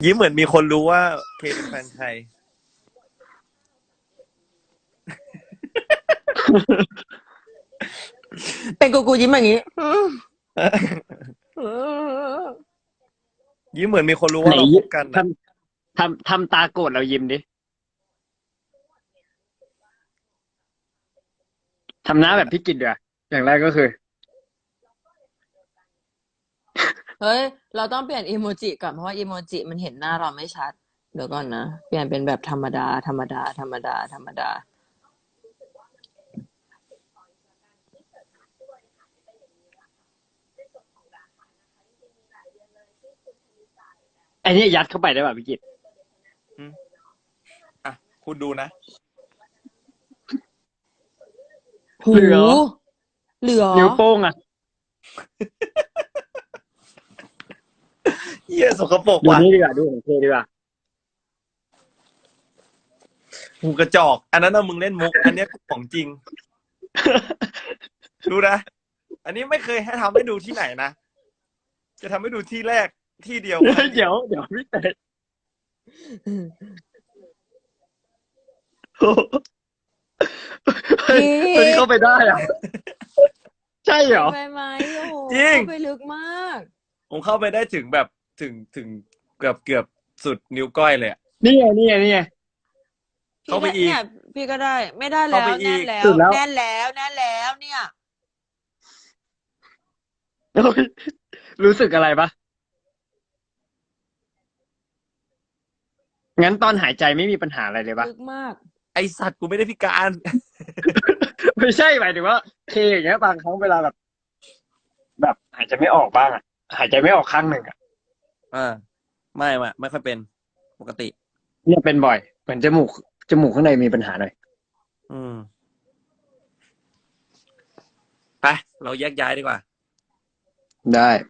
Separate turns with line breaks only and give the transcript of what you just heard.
ยิ้มเหมือนมีคนรู้ว่าเคเป็นแฟนใคร
เป็นกูยิ้มอย่างนี้
ยิ้มเหมือนมีคนรู้
ไหน
ว่าเราคบกัน
ท
อ่ะ
ทำตาโกรธเรายิ้มดิทำหน้าแบบพี่กิตเดี๋ยวอย่างแรกก็คือ
เฮ้ยเราต้องเปลี่ยนอีโมจิก่อนเพราะว่าอีโมจิมันเห็นหน้าเราไม่ชัดเดี๋ยวก่อนนะเปลี่ยนเป็นแบบธรรมดาธรรมดาธรรมดาธรรมดา
ไอ้นี่ยัดเข้าไปได้ป่ะพี่กิต
อ่ะคุณดูนะ
หู
เหลือ
เหลือ
นิ้วโป้งอ่ะ
เยี่ยสกปรก
ดู
ว่ะ
นี่ดีกว่าดูของเคดีกว่า
หูกระจอก อันนั้นน่ะมึงเล่นมุก อันเนี้ยของจริง ดูนะ อันนี้ไม่เคยให้ทำให้ดูที่ไหนนะ จะทำให้ดูที่แรกที่เดียว
เดี๋ยวพี่เตยเฮ้ยตัวนี้เข้าไปได้อ่ะใช่เหรอ
ไปไหมโอ้โห
จริง
เข้าไปลึกมาก
ผมเข้าไปได้ถึงแบบถึงเกือบสุดนิ้วก้อยเลยอะ
นี่ไง
เข้าไปอีก
เนี่ยพี่ก็ได้ไม่ได้แล้
เข้าว ไปอี
แน่
ก
นแล้ว
สุดแล้ว
แน่นแล้วแน่นแล้วเนี่ย
โอ้ยรู้สึกอะไรปะงั้นตอนหายใจไม่มีปัญหาอะไรเลยปะ
ลึกมาก
ไอสัตว์กูไม่ได้พิการ
ไม่ใช่หมายถึงว่าเคอย่างเงี้ยบางครั้งเวลาแบบหายใจไม่ออกบ้างอ่ะหายใจไม่ออกข้างหนึ่งอ่ะ
อ่าไม่ค่อยเป็นปกติ
เนี่ยเป็นบ่อยเหมือนจมูกข้างในมีปัญหาหน่อย
อืมไปเราแยกย้ายดีกว่า
ได้